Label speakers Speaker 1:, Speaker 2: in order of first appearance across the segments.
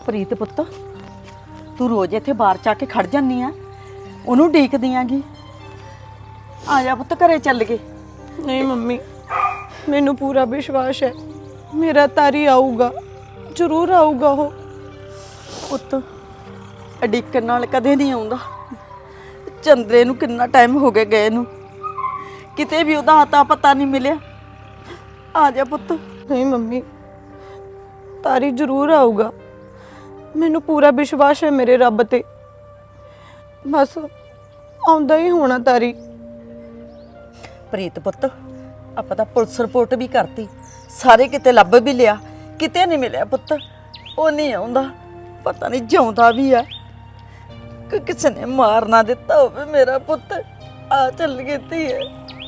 Speaker 1: ਪ੍ਰੀਤ ਪੁੱਤ ਤੂੰ ਰੋਜ਼ ਇੱਥੇ ਬਾਹਰ ਚਾ ਕੇ ਖੜ ਜਾਂਦੀ ਆ, ਉਹਨੂੰ ਡੀਕਦੀ ਆਂਗੀ। ਆ ਜਾ ਪੁੱਤ ਘਰੇ ਚੱਲ ਗਏ।
Speaker 2: ਨਹੀਂ ਮੰਮੀ, ਮੈਨੂੰ ਪੂਰਾ ਵਿਸ਼ਵਾਸ ਹੈ ਮੇਰਾ ਤਾਰੀ ਆਊਗਾ, ਜ਼ਰੂਰ ਆਊਗਾ ਉਹ।
Speaker 1: ਪੁੱਤ ਅਡੀਕਣ ਨਾਲ ਕਦੇ ਨਹੀਂ ਆਉਂਦਾ। ਚੰਦਰੇ ਨੂੰ ਕਿੰਨਾ ਟਾਈਮ ਹੋ ਗਿਆ ਗਏ ਨੂੰ, ਕਿਤੇ ਵੀ ਉਹਦਾ ਆਤਾ ਪਤਾ ਨਹੀਂ ਮਿਲਿਆ। ਆ ਜਾ ਪੁੱਤ।
Speaker 2: ਨਹੀਂ ਮੰਮੀ, ਤਾਰੀ ਜ਼ਰੂਰ ਆਊਗਾ, ਮੈਨੂੰ ਪੂਰਾ ਵਿਸ਼ਵਾਸ ਹੈ ਮੇਰੇ ਰੱਬ ਤੇ। ਬਸ ਆਉਂਦਾ ਹੀ ਹੋਣਾ ਤਾਰੀ।
Speaker 1: ਪ੍ਰੀਤ ਪੁੱਤ ਆਪਾਂ ਤਾਂ ਪੁਲਿਸ ਰਿਪੋਰਟ ਵੀ ਕਰਤੀ, ਸਾਰੇ ਕਿਤੇ ਲੱਭ ਵੀ ਲਿਆ, ਕਿਤੇ ਨਹੀਂ ਮਿਲਿਆ ਪੁੱਤ। ਉਹ ਨਹੀਂ ਆਉਂਦਾ, ਪਤਾ ਨਹੀਂ ਜਿਉਂਦਾ ਵੀ ਆ ਕਿ ਕਿਸੇ ਨੇ ਮਾਰ ਨਾ ਦਿੱਤਾ ਹੋਵੇ ਮੇਰਾ ਪੁੱਤ। ਆ ਚੱਲ ਗਈ ਧੀਏ।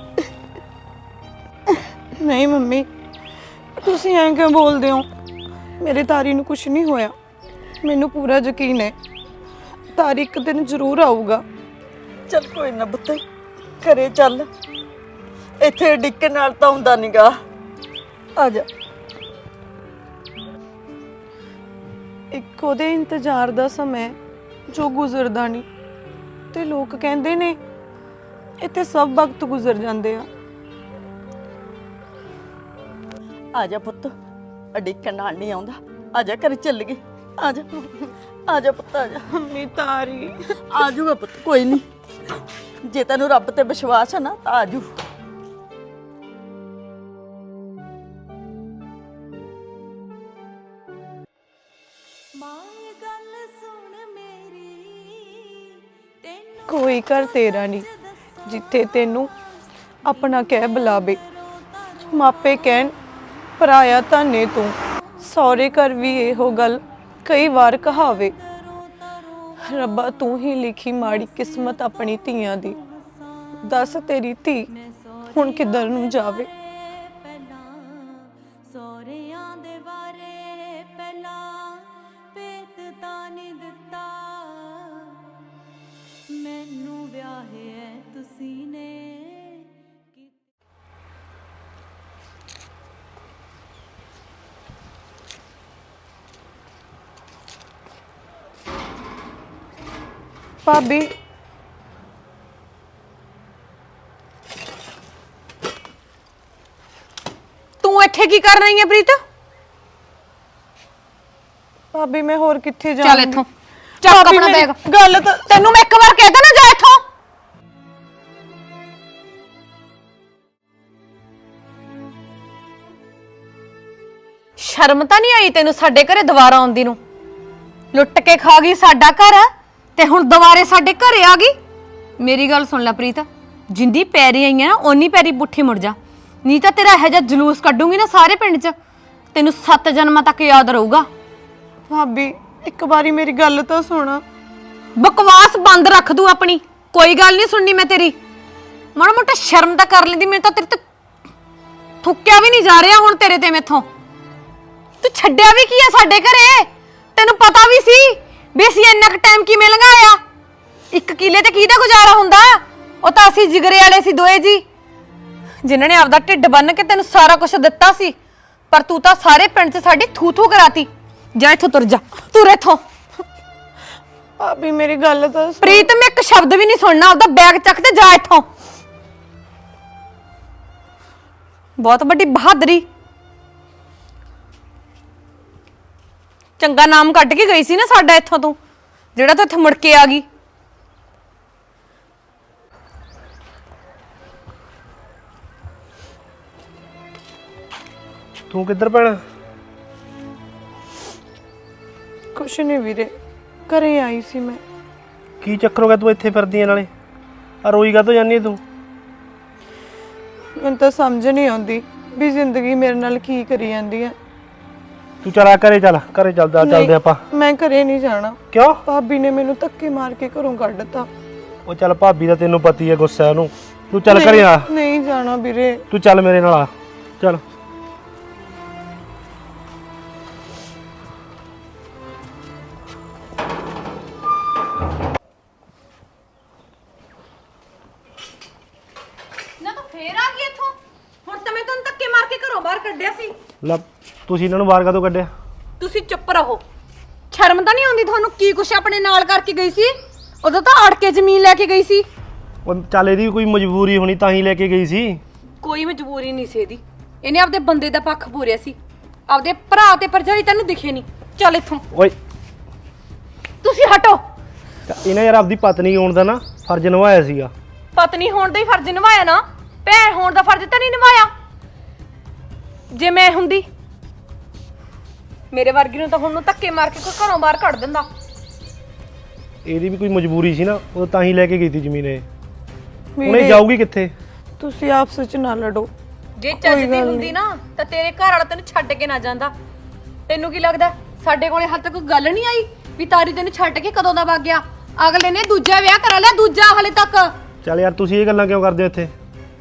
Speaker 2: ਨਹੀਂ ਮੰਮੀ, ਤੁਸੀਂ ਐਂ ਕਿਉਂ ਬੋਲਦੇ ਹੋ? ਮੇਰੇ ਤਾਰੀ ਨੂੰ ਕੁਝ ਨਹੀਂ ਹੋਇਆ, ਮੈਨੂੰ ਪੂਰਾ ਯਕੀਨ ਹੈ ਤਾਰੀ ਇੱਕ ਦਿਨ ਜ਼ਰੂਰ ਆਊਗਾ।
Speaker 1: ਚੱਲ ਕੋਈ ਨਾ ਪੁੱਤ, ਘਰੇ ਚੱਲ, ਇੱਥੇ ਡਿੱਕਣ ਨਾਲ ਤਾਂ ਹੁੰਦਾ ਨੀਗਾ। ਆ ਜਾ।
Speaker 2: ਇੱਕ ਉਹਦੇ ਇੰਤਜ਼ਾਰ ਦਾ ਸਮਾਂ ਜੋ ਗੁਜ਼ਰਦਾ ਨਹੀਂ, ਤੇ ਲੋਕ ਕਹਿੰਦੇ ਨੇ ਇੱਥੇ ਸਭ ਵਕਤ ਗੁਜ਼ਰ ਜਾਂਦੇ ਆ।
Speaker 1: ਆ ਜਾ ਪੁੱਤ, ਡਿੱਕਣ ਨਾਲ ਨਹੀਂ ਆਉਂਦਾ। ਆ ਜਾ ਘਰੇ ਚੱਲ ਗਏ। ਆ ਜਾ, ਆ ਜਾ ਪੁੱਤ, ਆ ਜਾ।
Speaker 2: ਮੰਮੀ ਤਾਰੀ
Speaker 1: ਆ ਜਾਊਗਾ ਪੁੱਤ, ਕੋਈ ਨਹੀਂ। ਜੇ ਤੈਨੂੰ ਰੱਬ ਤੇ ਵਿਸ਼ਵਾਸ ਹੈ ਨਾ ਤਾਂ ਆ ਜੂ।
Speaker 2: ਕੋਈ ਘਰ ਤੇਰਾ ਨਹੀਂ ਜਿੱਥੇ ਤੈਨੂੰ ਆਪਣਾ ਕਹਿ ਬੁਲਾਵੇ। ਮਾਪੇ ਕਹਿਣ ਪਰਾਇਆ ਧਾਨੇ ਤੂੰ, ਸਹੁਰੇ ਘਰ ਵੀ ਇਹੋ ਗੱਲ ਕਈ ਵਾਰ ਕਹਾਵੇ। ਰੱਬਾ ਤੂੰ ਹੀ ਲਿਖੀ ਮਾੜੀ ਕਿਸਮਤ ਆਪਣੀ ਧੀਆਂ ਦੀ, ਦੱਸ ਤੇਰੀ ਧੀ ਹੁਣ ਕਿੱਧਰ ਨੂੰ ਜਾਵੇ। ਭਾਬੀ
Speaker 3: ਤੂੰ ਇੱਥੇ ਕੀ ਕਰ ਰਹੀ ਹੈ ਪ੍ਰੀਤ?
Speaker 2: ਭਾਬੀ ਮੈਂ ਹੋਰ ਕਿੱਥੇ
Speaker 3: ਚੱਲ
Speaker 2: ਜਾਵਾਂ?
Speaker 3: ਇੱਥੋਂ, ਚੱਕ ਆਪਣਾ ਬੈਗ।
Speaker 2: ਗੱਲ ਤਾਂ
Speaker 3: ਤੈਨੂੰ ਮੈਂ ਇੱਕ ਵਾਰ ਕਹਿਦਾ ਨਾ ਜਾ ਇੱਥੋਂ। ਸ਼ਰਮ ਤਾਂ ਨਹੀਂ ਆਈ ਤੈਨੂੰ ਸਾਡੇ ਘਰੇ ਦੁਬਾਰਾ ਆਉਂਦੀ ਨੂੰ? ਲੁੱਟ ਕੇ ਖਾ ਗਈ ਸਾਡਾ ਘਰ ਤੇ ਹੁਣ ਦੁਬਾਰੇ ਸਾਡੇ ਘਰੇ ਆ ਗਈ। ਮੇਰੀ ਗੱਲ ਸੁਣ ਲੈ ਪ੍ਰੀਤ, ਜਿੰਦੀ ਪੈਰੀ ਆਈ ਆ ਨਾ ਓਨੀ ਪੈਰੀ ਪੁੱਠੀ ਮੁੜ ਜਾ, ਨਹੀਂ ਤਾਂ ਤੇਰਾ ਇਹੋ ਜਿਹਾ ਜਲੂਸ ਕੱਢੂੰਗੀ ਨਾ ਸਾਰੇ ਪਿੰਡ 'ਚ, ਤੈਨੂੰ 7 ਜਨਮਾਂ ਤੱਕ ਯਾਦ ਰਹੂਗਾ।
Speaker 2: ਭਾਬੀ ਇੱਕ ਵਾਰੀ ਮੇਰੀ ਗੱਲ ਤਾਂ ਸੁਣ।
Speaker 3: ਬਕਵਾਸ ਬੰਦ ਰੱਖ ਦੂ ਆਪਣੀ, ਕੋਈ ਗੱਲ ਨਹੀਂ ਸੁਣਨੀ ਮੈਂ ਤੇਰੀ। ਮਾੜਾ ਮੋਟਾ ਸ਼ਰਮ ਤਾਂ ਕਰ ਲੈਂਦੀ, ਮੈਨੂੰ ਤਾਂ ਤੇਰੇ ਤੇ ਥੁੱਕਿਆ ਵੀ ਨਹੀਂ ਜਾ ਰਿਹਾ ਹੁਣ ਤੇਰੇ ਤੇ ਮੈਥੋਂ। ਤੂੰ ਛੱਡਿਆ ਵੀ ਕੀ ਆ ਸਾਡੇ ਘਰੇ? ਤੈਨੂੰ ਪਤਾ ਵੀ ਸੀ ਵੀ ਅਸੀਂ ਇੰਨਾ ਕੁ ਟਾਈਮ ਕਿਵੇਂ ਲੰਘਾਇਆ। 1 ਕਿੱਲੇ ਤੇ ਕਿਹਦਾ ਗੁਜ਼ਾਰਾ ਹੁੰਦਾ? ਉਹ ਤਾਂ ਅਸੀਂ ਜਿਗਰੇ ਵਾਲੇ ਸੀ ਦੋਏ ਜੀ, ਜਿਨ੍ਹਾਂ ਨੇ ਆਪਦਾ ਢਿੱਡ ਬੰਨ ਕੇ ਤੈਨੂੰ ਸਾਰਾ ਕੁਝ ਦਿੱਤਾ ਸੀ। ਪਰ ਤੂੰ ਤਾਂ ਸਾਰੇ ਪਿੰਡ 'ਚ ਸਾਡੀ ਥੂ ਥੂ ਕਰਾਤੀ। ਜਾ ਇੱਥੋਂ ਤੁਰ ਜਾ, ਤੁਰ ਇੱਥੋਂ।
Speaker 2: ਭਾਬੀ ਮੇਰੀ ਗੱਲ ਤਾਂ ਸੁਣ।
Speaker 3: ਪ੍ਰੀਤ ਮੈਂ ਇੱਕ ਸ਼ਬਦ ਵੀ ਨਹੀਂ ਸੁਣਨਾ, ਉਹਦਾ ਬੈਗ ਚੱਕ ਤੇ ਜਾ ਇੱਥੋਂ। ਬਹੁਤ ਵੱਡੀ ਬਹਾਦਰੀ, ਚੰਗਾ ਨਾਮ ਕੱਢ ਕੇ ਗਈ ਸੀ ਨਾ ਸਾਡਾ ਇੱਥੋਂ ਤੂੰ, ਜਿਹੜਾ ਤੂੰ ਇੱਥੇ ਮੁੜ ਕੇ ਆ ਗਈ।
Speaker 4: ਤੂੰ ਕਿੱਧਰ ਪੈਣਾ?
Speaker 2: ਕੁਛ ਨਹੀਂ ਵੀਰੇ, ਘਰੇ ਆਈ ਸੀ ਮੈਂ।
Speaker 4: ਕੀ ਚੱਕਰ ਹੋ ਗਿਆ ਤੂੰ ਇੱਥੇ ਫਿਰਦੀ ਆਂ ਨਾਲੇ? ਆ ਰੋਈ ਕਾਹਤੋਂ ਜਾਂਦੀ ਤੂੰ?
Speaker 2: ਮੈਨੂੰ ਤਾਂ ਸਮਝ ਨਹੀਂ ਆਉਂਦੀ ਵੀ ਜ਼ਿੰਦਗੀ ਮੇਰੇ ਨਾਲ ਕੀ ਕਰੀ ਜਾਂਦੀ ਹੈ।
Speaker 4: ਤੂੰ ਚੱਲ ਆ ਘਰੇ, ਚੱਲ ਘਰੇ ਚੱਲਦੇ ਆਪਾਂ।
Speaker 2: ਮੈਂ ਘਰੇ ਨਹੀਂ ਜਾਣਾ।
Speaker 4: ਕਿਉਂ?
Speaker 2: ਭਾਬੀ ਨੇ ਮੈਨੂੰ ਧੱਕੇ ਮਾਰ ਕੇ ਘਰੋਂ ਕੱਢਤਾ।
Speaker 4: ਉਹ ਚੱਲ ਭਾਬੀ ਦਾ ਤੈਨੂੰ ਪਤੀ ਹੈ ਗੁੱਸਾ ਉਹਨੂੰ, ਤੂੰ ਚੱਲ ਘਰੇ ਆ।
Speaker 2: ਨਹੀਂ ਜਾਣਾ ਵੀਰੇ।
Speaker 4: ਤੂੰ ਚੱਲ ਮੇਰੇ ਨਾਲ ਆ, ਚੱਲ।
Speaker 3: ਨਾ ਤੂੰ ਫੇਰ ਆ ਗਈ ਇੱਥੋਂ? ਹੁਣ ਤਾਂ ਮੈਂ ਤੈਨੂੰ ਧੱਕੇ ਮਾਰ ਕੇ ਘਰੋਂ ਬਾਹਰ ਕੱਢਿਆ ਸੀ।
Speaker 4: ਲੈ ਤੁਸੀਂ ਇਹਨਾਂ ਨੂੰ ਬਾਹਰ ਕਾਹਤੋਂ ਕੱਢਿਆ?
Speaker 3: ਤੁਸੀਂ ਚੁੱਪ ਰਹੋ, ਸ਼ਰਮ ਤਾਂ ਨਹੀਂ ਆਉਂਦੀ ਤੁਹਾਨੂੰ? ਕੀ ਕੁਛ ਆਪਣੇ ਨਾਲ ਕਰਕੇ ਗਈ ਸੀ? ਉਦੋਂ ਤਾਂ ਅੜ ਕੇ ਜ਼ਮੀਨ ਲੈ ਕੇ ਗਈ ਸੀ।
Speaker 4: ਉਹ ਚੱਲ ਇਹਦੀ ਕੋਈ ਮਜਬੂਰੀ ਹੋਣੀ ਤਾਂ ਹੀ ਲੈ ਕੇ ਗਈ ਸੀ।
Speaker 3: ਕੋਈ ਮਜਬੂਰੀ ਨਹੀਂ ਸੀ ਇਹਦੀ। ਇਹਨੇ ਆਪਦੇ ਬੰਦੇ ਦਾ ਪੱਖ ਪੂਰਿਆ ਸੀ। ਆਪਦੇ ਭਰਾ ਤੇ ਭਰਜਾਈ ਤੈਨੂੰ ਦਿਖੇ ਨਹੀਂ। ਚੱਲ ਇੱਥੋਂ,
Speaker 4: ਓਏ
Speaker 3: ਤੁਸੀਂ ਹਟੋ।
Speaker 4: ਇਹਨੇ ਯਾਰ ਆਪਦੀ ਪਤਨੀ ਹੋਣ ਦਾ ਨਾ ਫਰਜ਼ ਨਿਭਾਇਆ ਸੀਗਾ।
Speaker 3: ਪਤਨੀ ਹੋਣ ਦਾ ਹੀ ਫਰਜ਼ ਨਿਭਾਇਆ ਨਾ, ਭੈਣ ਹੋਣ ਦਾ ਫਰਜ਼ ਤਾਂ ਨਹੀਂ ਨਿਭਾਇਆ। ਜੇ ਮੈਂ ਹੁੰਦੀ, ਮੇਰੇ ਵਰਗੀ ਨੂੰ ਤਾਂ ਹੁਣ ਨੂੰ ਧੱਕੇ ਮਾਰ ਕੇ ਕੋਈ ਘਰੋਂ ਬਾਹਰ ਕੱਢ ਦਿੰਦਾ।
Speaker 4: ਇਹਦੀ ਵੀ ਕੋਈ ਮਜਬੂਰੀ ਸੀ ਨਾ, ਉਹ ਤਾਂ ਹੀ ਲੈ ਕੇ ਗਈ ਸੀ ਜ਼ਮੀਨ ਇਹ। ਹੁਣ
Speaker 2: ਵੀਰੇ,
Speaker 4: ਇਹ ਜਾਊਗੀ ਕਿੱਥੇ?
Speaker 2: ਤੁਸੀਂ ਆਪਸ ਵਿੱਚ ਨਾ ਲੜੋ।
Speaker 3: ਜੇ ਚੱਜਦੀ ਹੁੰਦੀ ਨਾ ਤਾਂ ਤੇਰੇ ਘਰ ਵਾਲਾ ਤੈਨੂੰ ਛੱਡ ਕੇ ਨਾ ਜਾਂਦਾ। ਤੈਨੂੰ ਕੀ ਲੱਗਦਾ ਸਾਡੇ ਕੋਲੇ ਹਾਲੇ ਤੱਕ ਕੋਈ ਗੱਲ ਨਹੀਂ ਆਈ ਵੀ ਤਾਰੀ ਤੈਨੂੰ ਛੱਡ ਕੇ ਕਦੋਂ ਦਾ ਵਗ ਗਿਆ? ਅਗਲੇ ਨੇ ਦੂਜਾ ਵਿਆਹ ਕਰਾ ਲਿਆ, ਦੂਜਾ ਹਾਲੇ ਤੱਕ।
Speaker 4: ਚੱਲ ਯਾਰ ਤੁਸੀਂ ਇਹ ਗੱਲਾਂ ਕਿਉਂ ਕਰਦੇ ਹੋ ਇੱਥੇ?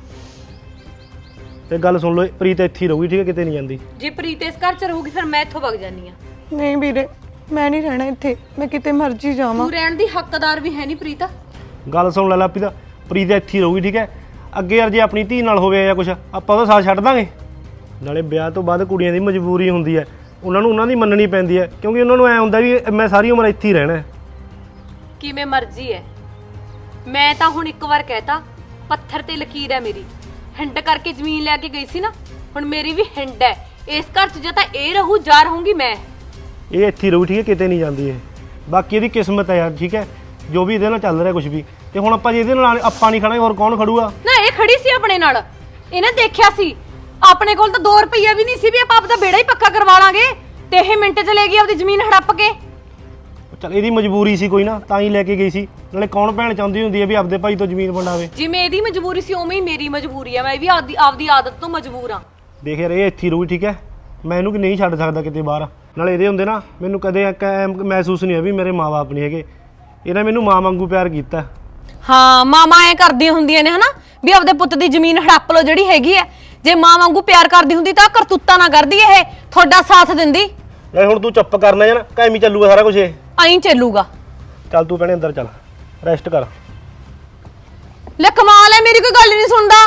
Speaker 4: ਤੇ ਗੱਲ ਸੁਣ ਲਓ, ਪ੍ਰੀਤ ਇੱਥੇ ਹੀ ਰਹੂਗੀ, ਠੀਕ ਹੈ, ਕਿਤੇ ਨਹੀਂ ਜਾਂਦੀ।
Speaker 3: ਜੇ ਪ੍ਰੀਤ ਇਸ ਘਰ 'ਚ ਰਹੂਗੀ ਫਿਰ ਮੈਂ ਇੱਥੋਂ ਵਗ ਜਾਨੀ ਆ।
Speaker 2: ਨਹੀਂ ਵੀਰੇ, ਮੈਂ ਨਹੀਂ ਰਹਿਣਾ ਇੱਥੇ, ਮੈਂ ਕਿਤੇ ਮਰਜ਼ੀ ਜਾਵਾਂ।
Speaker 3: ਤੂੰ ਰਹਿਣ ਦੀ ਹੱਕਦਾਰ ਵੀ ਹੈ ਨਹੀਂ ਪ੍ਰੀਤ।
Speaker 4: ਗੱਲ ਸੁਣ ਲੈ ਲਾਪੀ ਦਾ, ਪ੍ਰੀਤ ਇੱਥੇ ਹੀ ਰਹੂਗੀ, ਠੀਕ ਹੈ। ਅੱਗੇ ਯਾਰ ਜੇ ਆਪਣੀ ਧੀ ਨਾਲ ਹੋਵੇ ਜਾਂ ਕੁਛ, ਆਪਾਂ ਉਹਦਾ ਸਾਥ ਛੱਡ ਦਾਂਗੇ? ਨਾਲੇ ਵਿਆਹ ਤੋਂ ਬਾਅਦ ਕੁੜੀਆਂ ਦੀ ਮਜਬੂਰੀ ਹੁੰਦੀ ਹੈ, ਉਹਨਾਂ ਨੂੰ ਉਹਨਾਂ ਦੀ ਮੰਨਣੀ ਪੈਂਦੀ ਹੈ, ਕਿਉਂਕਿ ਉਹਨਾਂ ਨੂੰ ਐ ਹੁੰਦਾ ਵੀ ਮੈਂ ਸਾਰੀ ਉਮਰ ਇੱਥੇ ਹੀ ਰਹਿਣਾ।
Speaker 3: ਕਿਵੇਂ ਮਰਜ਼ੀ ਹੈ, ਮੈਂ ਤਾਂ ਹੁਣ ਇੱਕ ਵਾਰ ਕਹਿਤਾ, ਪੱਥਰ ਤੇ ਲਕੀਰ ਹੈ ਮੇਰੀ। ਹਿੰਡ ਕਰਕੇ ਜ਼ਮੀਨ ਲੈ ਕੇ ਗਈ ਸੀ ਨਾ, ਹੁਣ ਮੇਰੀ ਵੀ ਹਿੰਡ ਹੈ। ਇਸ ਘਰ 'ਚ ਜਾਂ ਤਾਂ ਇਹ ਰਹੂ ਜਾਂ ਰਹੂੰਗੀ ਮੈਂ।
Speaker 4: ਇਹ ਇੱਥੇ ਹੀ ਰਹੂ, ਠੀਕ ਹੈ, ਕਿਤੇ ਨਹੀਂ ਜਾਂਦੀ ਇਹ। ਬਾਕੀ ਇਹਦੀ ਕਿਸਮਤ ਹੈ ਯਾਰ, ਠੀਕ ਹੈ, ਜੋ ਵੀ ਇਹਦੇ ਨਾਲ ਚੱਲ ਰਿਹਾ ਕੁਝ ਵੀ। ਤੇ ਹੁਣ ਆਪਾਂ ਜੇ ਇਹਦੇ ਨਾਲ ਆਪਾਂ ਨਹੀਂ ਖੜਾਂਗੇ ਹੋਰ ਕੌਣ ਖੜੂਗਾ?
Speaker 3: ਨਾ ਇਹ ਖੜੀ ਸੀ ਆਪਣੇ ਨਾਲ, ਇਹਨੇ ਦੇਖਿਆ ਸੀ। ਆਪਣੇ ਕੋਲ ਤਾਂ 2 ਰੁਪਈਆ ਵੀ ਨਹੀਂ ਸੀ ਵੀ ਆਪਾਂ ਆਪਦਾ ਬੇੜਾ ਹੀ ਪੱਕਾ ਕਰਵਾ ਲਾਂਗੇ, ਤੇ ਇਹ ਮਿੰਟ 'ਚ ਲੈ ਗਈ ਆਪਦੀ ਜ਼ਮੀਨ ਹੜੱਪ ਕੇ।
Speaker 4: ਚੱਲ ਇਹਦੀ ਮਜਬੂਰੀ ਸੀ ਕੋਈ ਨਾ, ਤਾਂ ਹੀ ਲੈ ਕੇ ਗਈ ਸੀ। ਨਾਲੇ ਕੌਣ ਭੈਣ ਚਾਹੁੰਦੀ ਹੁੰਦੀ ਹੈ ਵੀ ਆਪਦੇ ਭਾਈ ਤੋਂ ਜ਼ਮੀਨ ਵੰਡਾਵੇ? ਜਿਵੇਂ
Speaker 3: ਇਹਦੀ ਮਜਬੂਰੀ ਸੀ ਉਵੇਂ ਹੀ ਮੇਰੀ ਮਜਬੂਰੀ ਆ। ਮੈਂ ਵੀ ਆਪਦੀ ਆਦਤ ਤੋਂ ਮਜਬੂਰ ਆ।
Speaker 4: ਦੇਖ ਯਾਰ, ਇਹ ਇੱਥੇ ਹੀ ਰਹੂ, ਠੀਕ ਹੈ, ਮੈਂ ਇਹਨੂੰ ਨਹੀਂ ਛੱਡ ਸਕਦਾ ਕਿਤੇ ਬਾਹਰ। ਨਾਲੇ ਇਹਦੇ ਹੁੰਦੇ ਨਾ, ਮੈਨੂੰ ਕਦੇ ਮਹਿਸੂਸ ਨਹੀਂ ਹੋਇਆ ਵੀ ਮੇਰੇ ਮਾਂ-ਬਾਪ ਨਹੀਂ ਹੈਗੇ। ਇਹਨਾਂ ਮੈਨੂੰ ਮਾਂ ਵਾਂਗੂ ਪਿਆਰ ਕੀਤਾ।
Speaker 3: ਹਾਂ, ਮਾਮਾ ਐ ਕਰਦੀਆਂ ਹੁੰਦੀਆਂ ਨੇ ਹਨਾ, ਵੀ ਆਪਦੇ ਪੁੱਤ ਦੀ ਜ਼ਮੀਨ ਹੜੱਪ ਲੋ ਜਿਹੜੀ ਹੈਗੀ ਐ। ਜੇ ਮਾਂ ਵਾਂਗੂ ਪਿਆਰ ਕਰਦੀ ਹੁੰਦੀ ਤਾਂ ਕਰਤੂਤਾਂ ਨਾ ਕਰਦੀ, ਇਹ ਤੁਹਾਡਾ ਸਾਥ ਦਿੰਦੀ।
Speaker 4: ਯਾਰ ਹੁਣ ਤੂੰ ਚੁੱਪ ਕਰਨਾ ਜਾਂ ਨਾ, ਕਾਇਮੀ ਚੱਲੂਗਾ ਸਾਰਾ ਕੁਝ ਇਹ।
Speaker 3: ਐਂ ਚੱਲੂਗਾ।
Speaker 4: ਚੱਲ ਤੂੰ ਭੈਣੇ ਅੰਦਰ ਚੱਲ, ਰੈਸਟ ਕਰ।
Speaker 3: ਲੈ ਕਮਾਲ ਐ, ਮੇਰੀ ਕੋਈ ਗੱਲ ਨਹੀਂ ਸੁਣਦਾ।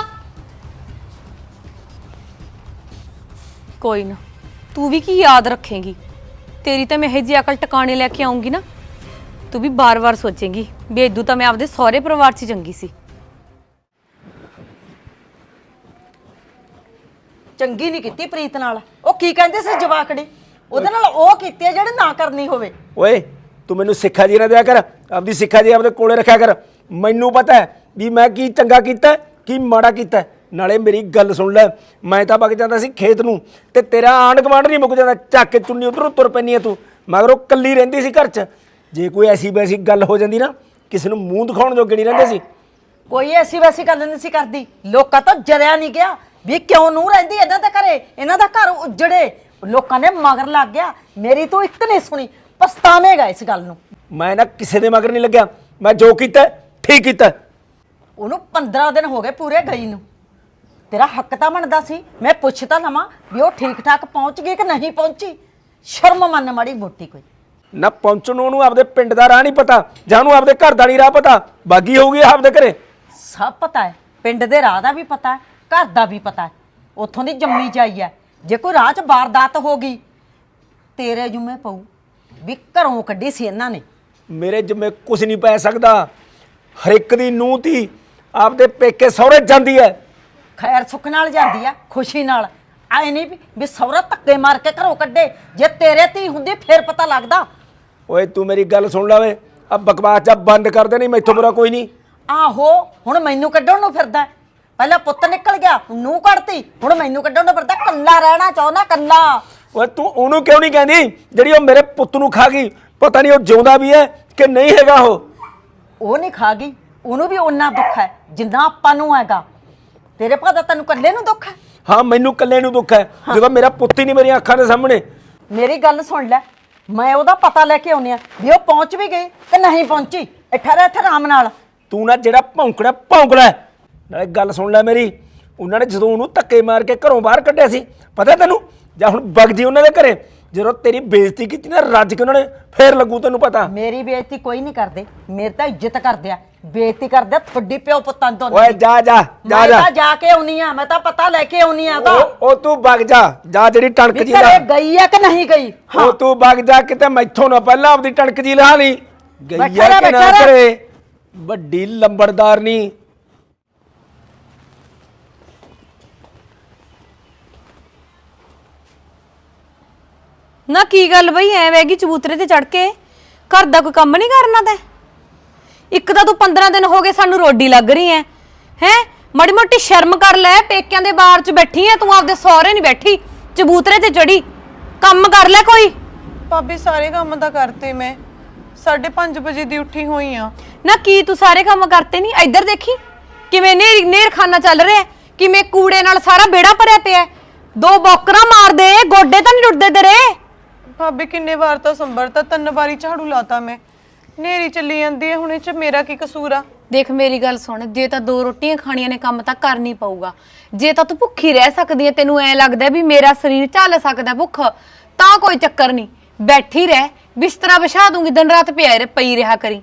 Speaker 3: ਕੋਈ ਨਾ, ਤੂੰ ਵੀ ਕੀ ਯਾਦ ਰੱਖੇਂਗੀ? ਤੇਰੀ ਤਾਂ ਮੈਂ ਇਹ ਜੀ ਅਕਲ ਟਿਕਾਣੇ ਲੈ ਕੇ ਆਉਂਗੀ ਨਾ, ਤੂੰ ਵੀ ਬਾਰ-ਬਾਰ ਸੋਚੇਂਗੀ ਵੀ ਇਦੋਂ ਤਾਂ ਮੈਂ ਆਪਦੇ ਸਹੁਰੇ ਪਰਿਵਾਰ 'ਚ ਚੰਗੀ ਸੀ।
Speaker 1: ਚੰਗੀ ਨਹੀਂ ਕੀਤੀ ਪ੍ਰੀਤ ਨਾਲ। ਉਹ ਕੀ ਕਹਿੰਦੇ ਸੀ ਜਵਾਕੜੀ? ਉਹਦੇ ਨਾਲ ਉਹ ਕੀਤੀ ਹੈ ਜਿਹੜੇ ਨਾ ਕਰਨੀ ਹੋਵੇ।
Speaker 5: ਓਏ ਤੂੰ ਮੈਨੂੰ ਸਿੱਖਿਆ ਜੀ ਨਾ ਦਿਆ ਕਰ, ਆਪਦੀ ਸਿੱਖਿਆ ਜੀ ਆਪਦੇ ਕੋਲੇ ਰੱਖਿਆ ਕਰ। ਮੈਨੂੰ ਪਤਾ ਹੈ ਵੀ ਮੈਂ ਕੀ ਚੰਗਾ ਕੀਤਾ ਕੀ ਮਾੜਾ ਕੀਤਾ। ਨਾਲੇ ਮੇਰੀ ਗੱਲ ਸੁਣ ਲੈ, ਮੈਂ ਤਾਂ ਵਗ ਜਾਂਦਾ ਸੀ ਖੇਤ ਨੂੰ, ਤੇ ਤੇਰਾ ਆਂਢ ਗੁਆਂਢ ਨਹੀਂ ਮੁੱਕ ਜਾਂਦਾ, ਚੱਕ ਕੇ ਚੁੰਨੀ ਉਧਰੋਂ ਤੁਰ ਪੈਂਦੀ ਹੈ ਤੂੰ। ਮਗਰ ਉਹ ਕੱਲੀ ਰਹਿੰਦੀ ਸੀ ਘਰ 'ਚ। ਜੇ ਕੋਈ ਐਸੀ ਵੈਸੀ ਗੱਲ ਹੋ ਜਾਂਦੀ ਨਾ, ਕਿਸੇ ਨੂੰ ਮੂੰਹ ਦਿਖਾਉਣ ਜੋਗੇ ਨਹੀਂ ਰਹਿੰਦੇ ਸੀ।
Speaker 1: ਕੋਈ ਐਸੀ ਵੈਸੀ ਗੱਲ ਨਹੀਂ ਸੀ ਕਰਦੀ। ਲੋਕਾਂ ਤੋਂ ਜਰਿਆ ਨਹੀਂ ਗਿਆ ਵੀ ਕਿਉਂ ਨੂੰ ਰਹਿੰਦੀ ਇਹਨਾਂ ਦੇ ਘਰੇ, ਇਹਨਾਂ ਦਾ ਘਰ ਉਜੜੇ। ਲੋਕਾਂ ਨੇ ਮਗਰ ਲੱਗ ਗਿਆ। ਮੇਰੀ ਤੂੰ ਇੱਕ ਨਹੀਂ ਸੁਣੀ, ਪਛਤਾਵੇਂਗਾ ਇਸ ਗੱਲ ਨੂੰ।
Speaker 5: ਮੈਂ ਨਾ ਕਿਸੇ ਦੇ ਮਗਰ ਨਹੀਂ ਲੱਗਿਆ, ਮੈਂ ਜੋ ਕੀਤਾ ਠੀਕ ਕੀਤਾ।
Speaker 1: ਉਹਨੂੰ 15 ਦਿਨ ਹੋ ਗਏ ਪੂਰੇ ਗਈ ਨੂੰ। ਤੇਰਾ ਹੱਕ ਤਾਂ ਬਣਦਾ ਸੀ ਮੈਂ ਪੁੱਛ ਤਾਂ ਲਵਾਂ ਵੀ ਉਹ ਠੀਕ ਠਾਕ ਪਹੁੰਚ ਗਈ ਕਿ ਨਹੀਂ ਪਹੁੰਚੀ। ਸ਼ਰਮ ਮੰਨ ਮਾੜੀ ਮੋਟੀ ਕੋਈ।
Speaker 5: ਨਾ ਪਹੁੰਚਣ ਨੂੰ ਉਹਨੂੰ ਆਪਦੇ ਪਿੰਡ ਦਾ ਰਾਹ ਨਹੀਂ ਪਤਾ, ਜਾਂ ਉਹਨੂੰ ਆਪਦੇ ਘਰ ਦਾ ਨਹੀਂ ਰਾਹ ਪਤਾ। ਬਾਗੀ ਹੋਊਗੀ ਆਪਦੇ ਘਰੇ।
Speaker 1: ਸਭ ਪਤਾ ਹੈ, ਪਿੰਡ ਦੇ ਰਾਹ ਦਾ ਵੀ ਪਤਾ ਹੈ, ਘਰ ਦਾ ਵੀ ਪਤਾ ਹੈ। ਉੱਥੋਂ ਦੀ ਜੰਮੀ ਜਾਈ ਹੈ। ਜੇ ਕੋਈ ਰਾਹ 'ਚ ਵਾਰਦਾਤ ਹੋ ਗਈ ਤੇਰੇ ਜੁਮੇ ਪਊ ਵੀ ਘਰੋਂ ਕੱਢੀ ਸੀ ਇਹਨਾਂ ਨੇ।
Speaker 5: ਮੇਰੇ ਜਿੰਮੇ ਕੁਝ ਨਹੀਂ ਪੈ ਸਕਦਾ। ਹਰ ਇੱਕ ਦੀ ਨੂੰਹ ਧੀ ਆਪਦੇ ਪੇਕੇ ਸਹੁਰੇ ਜਾਂਦੀ ਹੈ।
Speaker 1: ਖੈਰ ਸੁੱਖ ਨਾਲ ਜਾਂਦੀ ਆ, ਖੁਸ਼ੀ ਨਾਲ। ਆਏ ਨਹੀਂ ਵੀ ਸਹੁਰਾ ਧੱਕੇ ਮਾਰ ਕੇ ਘਰੋਂ ਕੱਢੇ। ਜੇ ਤੇਰੇ ਧੀ ਹੁੰਦੀ ਫੇਰ ਪਤਾ ਲੱਗਦਾ।
Speaker 5: ਓਏ ਤੂੰ ਮੇਰੀ ਗੱਲ ਸੁਣ ਲੈ ਵੇ, ਆ ਬਕਵਾਸ ਜਾ ਬੰਦ ਕਰ ਦੇ, ਨਹੀਂ ਮੈਥੋਂ ਬੁਰਾ ਕੋਈ ਨਹੀਂ।
Speaker 1: ਆਹੋ, ਹੁਣ ਮੈਨੂੰ ਕੱਢਣ ਨੂੰ ਫਿਰਦਾ। ਪਹਿਲਾਂ ਪੁੱਤ ਨਿਕਲ ਗਿਆ, ਨੂੰਹ ਕੱਢਤੀ, ਹੁਣ ਮੈਨੂੰ ਕੱਢਣ ਨੂੰ ਫਿਰਦਾ। ਕੱਲਾ ਰਹਿਣਾ ਚਾਹੁੰਦਾ, ਕੱਲਾ।
Speaker 5: ਓਏ ਤੂੰ ਉਹਨੂੰ ਕਿਉਂ ਨਹੀਂ ਕਹਿੰਦੀ ਜਿਹੜੀ ਉਹ ਮੇਰੇ ਪੁੱਤ ਨੂੰ ਖਾ ਗਈ? ਪਤਾ ਨਹੀਂ ਉਹ ਜਿਉਂਦਾ ਵੀ ਹੈ ਕਿ ਨਹੀਂ ਹੈਗਾ।
Speaker 1: ਉਹ ਨਹੀਂ ਖਾ ਗਈ, ਉਹਨੂੰ ਵੀ ਓਨਾ ਦੁੱਖ ਹੈ ਜਿੰਨਾ ਆਪਾਂ ਨੂੰ ਹੈਗਾ। ਤੇਰੇ ਭਾਅ ਤੈਨੂੰ ਕੱਲੇ ਨੂੰ ਦੁੱਖ ਹੈ?
Speaker 5: ਹਾਂ, ਮੈਨੂੰ ਇਕੱਲੇ ਨੂੰ ਦੁੱਖ ਹੈ, ਜਦੋਂ ਮੇਰਾ ਪੁੱਤ ਹੀ ਨਹੀਂ ਮੇਰੀਆਂ ਅੱਖਾਂ ਦੇ ਸਾਹਮਣੇ।
Speaker 1: ਮੇਰੀ ਗੱਲ ਸੁਣ ਲੈ, ਮੈਂ ਉਹਦਾ ਪਤਾ ਲੈ ਕੇ ਆਉਣੀ ਆ ਵੀ ਉਹ ਪਹੁੰਚ ਵੀ ਗਈ ਕਿ ਨਹੀਂ ਪਹੁੰਚੀ। ਇੱਥੇ ਰਹਿ, ਇੱਥੇ ਆਰਾਮ ਨਾਲ।
Speaker 5: ਤੂੰ ਨਾ ਜਿਹੜਾ ਭੌਂਕਣਾ ਭੌਂਕ ਲੈ। ਨਾਲੇ ਗੱਲ ਸੁਣ ਲੈ ਮੇਰੀ, ਉਹਨਾਂ ਨੇ ਜਦੋਂ ਉਹਨੂੰ ਧੱਕੇ ਮਾਰ ਕੇ ਘਰੋਂ ਬਾਹਰ ਕੱਢਿਆ ਸੀ, ਪਤਾ ਤੈਨੂੰ ਜਾਂ ਹੁਣ ਵਗ ਜੀ ਉਹਨਾਂ ਦੇ ਘਰੇ। ਜਦੋਂ ਤੇਰੀ ਬੇਇੱਜ਼ਤੀ ਕੀਤੀ ਨਾ ਰੱਜ ਕੇ ਉਹਨਾਂ ਨੇ, ਫੇਰ ਲੱਗੂ ਤੈਨੂੰ ਪਤਾ।
Speaker 1: ਮੇਰੀ ਬੇਇੱਜ਼ਤੀ ਕੋਈ ਨਹੀਂ ਕਰਦੇ, ਮੇਰੀ ਤਾਂ ਇੱਜ਼ਤ ਕਰਦੇ ਆ। ਬੇਇੱਜ਼ਤੀ ਕਰਦੇ ਆ ਤੁਹਾਡੀ ਪਿਓ ਪੁੱਤਾਂ ਤੋਂ।
Speaker 5: ਓਏ ਜਾ ਜਾ ਜਾ
Speaker 1: ਮੈਂ
Speaker 5: ਜਾ
Speaker 1: ਤਾਂ ਜਾ ਕੇ ਆਉਣੀ ਆ, ਮੈਂ ਤਾਂ ਪਤਾ ਲੈ ਕੇ ਆਉਣੀ ਆ ਤਾਂ
Speaker 5: ਉਹ ਤੂੰ ਵਗ ਜਾ ਜਾ, ਜਿਹੜੀ ਟਣਕ
Speaker 1: ਵੀ
Speaker 5: ਜੀ
Speaker 1: ਘਰੇ
Speaker 5: ਲਾ
Speaker 1: ਗਈ ਆ ਕਿ ਨਹੀਂ ਗਈ।
Speaker 5: ਉਹ ਤੂੰ ਵਗ ਜਾ, ਕਿਤੇ ਮੈਥੋਂ ਨਾ ਪਹਿਲਾਂ ਆਪਦੀ ਟਣਕ ਜੀ ਲਾ ਲਈ। ਗਈ
Speaker 1: ਬੈਠਾ
Speaker 5: ਆ
Speaker 1: ਰਹਿ,
Speaker 5: ਕਿ ਨਾ
Speaker 1: ਬੈਠਾ ਰਹਿ।
Speaker 5: ਘਰੇ, ਵੱਡੀ ਲੰਬੜਦਾਰ ਨਹੀਂ।
Speaker 3: ਨਾ ਕੀ ਗੱਲ ਬਈ ਐ ਵੈਗੀ ਚਬੂਤਰੇ ਤੇ ਚੜ ਕੇ ਘਰ ਦਾ ਕੋਈ ਕੰਮ ਨਹੀਂ ਕਰਨਾ ਤੈਂ? ਇੱਕ ਤਾਂ ਤੂੰ 15 ਦਿਨ ਹੋ ਗਏ ਸਾਨੂੰ ਰੋਡੀ ਲੱਗ ਰਹੀ ਐ ਹੈ। ਮਾੜੀ ਮੋਟੀ ਸ਼ਰਮ ਕਰ ਲੈ, ਪੇਕਿਆਂ ਦੇ ਬਾਹਰ ਚ ਬੈਠੀ ਐ ਤੂੰ, ਆਪਦੇ ਸਹੁਰੇ ਨਹੀਂ ਬੈਠੀ ਚਬੂਤਰੇ ਤੇ ਚੜੀ। ਕੰਮ ਕਰ ਲੈ ਕੋਈ।
Speaker 2: ਭਾਬੀ ਸਾਰੇ ਕੰਮ ਤਾਂ ਕਰਤੇ ਮੈਂ, 5:30 ਵਜੇ ਦੀ ਉੱਠੀ ਹੋਈ ਆ।
Speaker 3: ਨਾ ਕੀ ਤੂੰ ਸਾਰੇ ਕੰਮ ਕਰਤੇ ਨਹੀਂ? ਇੱਧਰ ਦੇਖੀ ਕਿਵੇਂ ਨੇਰ ਖਾਨਾ ਚੱਲ ਰਿਹਾ, ਕਿਵੇਂ ਕੂੜੇ ਨਾਲ ਸਾਰਾ ਬੇੜਾ ਭਰਿਆ ਪਿਆ। 2 ਬੌਕਰਾਂ ਮਾਰ ਦੇ, ਗੋਡੇ ਤਾਂ ਨਹੀਂ ਟੁੱਟਦੇ ਤੇਰੇ।
Speaker 2: ਭਾਬੀ ਕਿੰਨੇ ਵਾਰ ਤਾਂ ਸੰਭਰਤਾ, 3 ਵਾਰੀ ਝਾੜੂ ਲਾਤਾ ਮੈਂ। ਨੇਰੀ ਚੱਲੀ ਜਾਂਦੀ ਹੈ, ਹੁਣ ਇਹ ਚ ਮੇਰਾ ਕੀ ਕਸੂਰ ਆ?
Speaker 3: ਦੇਖ ਮੇਰੀ ਗੱਲ ਸੁਣ, ਜੇ ਤਾਂ 2 ਰੋਟੀਆਂ ਖਾਣੀਆਂ ਨੇ ਕੰਮ ਤਾਂ ਕਰਨੀ ਪਊਗਾ। ਜੇ ਤਾਂ ਤੂੰ ਭੁੱਖੀ ਰਹਿ ਸਕਦੀ ਹੈ, ਤੈਨੂੰ ਐ ਲੱਗਦਾ ਵੀ ਮੇਰਾ ਸਰੀਰ ਝੱਲ ਸਕਦਾ ਭੁੱਖ, ਤਾਂ ਕੋਈ ਚੱਕਰ ਨਹੀਂ, ਬੈਠੀ ਰਹਿ, ਬਿਸਤਰਾ ਵਿਛਾ ਦੂੰਗੀ, ਦਿਨ ਰਾਤ ਪਈ ਰਿਹਾ ਕਰੀ।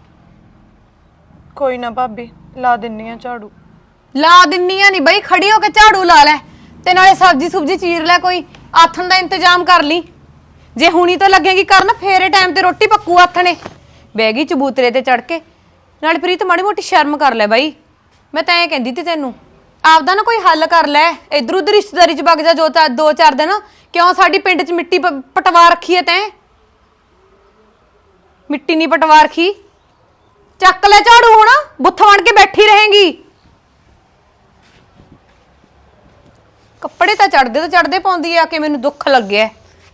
Speaker 2: ਕੋਈ ਨਾ ਭਾਬੀ, ਲਾ ਦਿੰਨੀ ਆ ਝਾੜੂ।
Speaker 3: ਲਾ ਦਿੰਨੀਆਂ ਨਹੀਂ ਬਈ, ਖੜੀ ਹੋ ਕੇ ਝਾੜੂ ਲਾ ਲੈ, ਤੇ ਨਾਲੇ ਸਬਜ਼ੀ ਸੁਬਜੀ ਚੀਰ ਲੈ, ਕੋਈ ਆਥਣ ਦਾ ਇੰਤਜ਼ਾਮ ਕਰ ਲਈ। ਜੇ ਹੁਣੀ ਤਾਂ ਲੱਗੇਗੀ ਕਰਨ, ਫੇਰੇ ਟਾਈਮ ਤੇ ਰੋਟੀ ਪੱਕੂ ਆਥਣੇ। ਬਹਿ ਗਈ ਚਬੂਤਰੇ ਤੇ ਚੜ ਕੇ। ਨਾਲੇ ਪ੍ਰੀਤ ਮਾੜੀ ਮੋਟੀ ਸ਼ਰਮ ਕਰ ਲੈ ਬਾਈ, ਮੈਂ ਤਾਂ ਐਂ ਕਹਿੰਦੀ ਤੀ ਤੈਨੂੰ, ਆਪਦਾ ਨਾ ਕੋਈ ਹੱਲ ਕਰ ਲੈ। ਇਧਰ ਉਧਰ ਰਿਸ਼ਤੇਦਾਰੀ ਚ ਵਗ ਜਾ 2-4 ਦਿਨ। ਕਿਉਂ ਸਾਡੀ ਪਿੰਡ ਚ ਮਿੱਟੀ ਪਟਵਾ ਰੱਖੀ ਐ ਤੈਂ? ਮਿੱਟੀ ਨਹੀਂ ਪਟਵਾ ਰੱਖੀ, ਚੱਕ ਲੈ ਝਾੜੂ, ਹੁਣ ਬੁੱਥ ਬਣ ਕੇ ਬੈਠੀ ਰਹੇਂਗੀ। ਕੱਪੜੇ ਤਾਂ ਚੜਦੇ ਪਾਉਂਦੀ ਆ ਕਿ ਮੈਨੂੰ ਦੁੱਖ ਲੱਗਿਆ।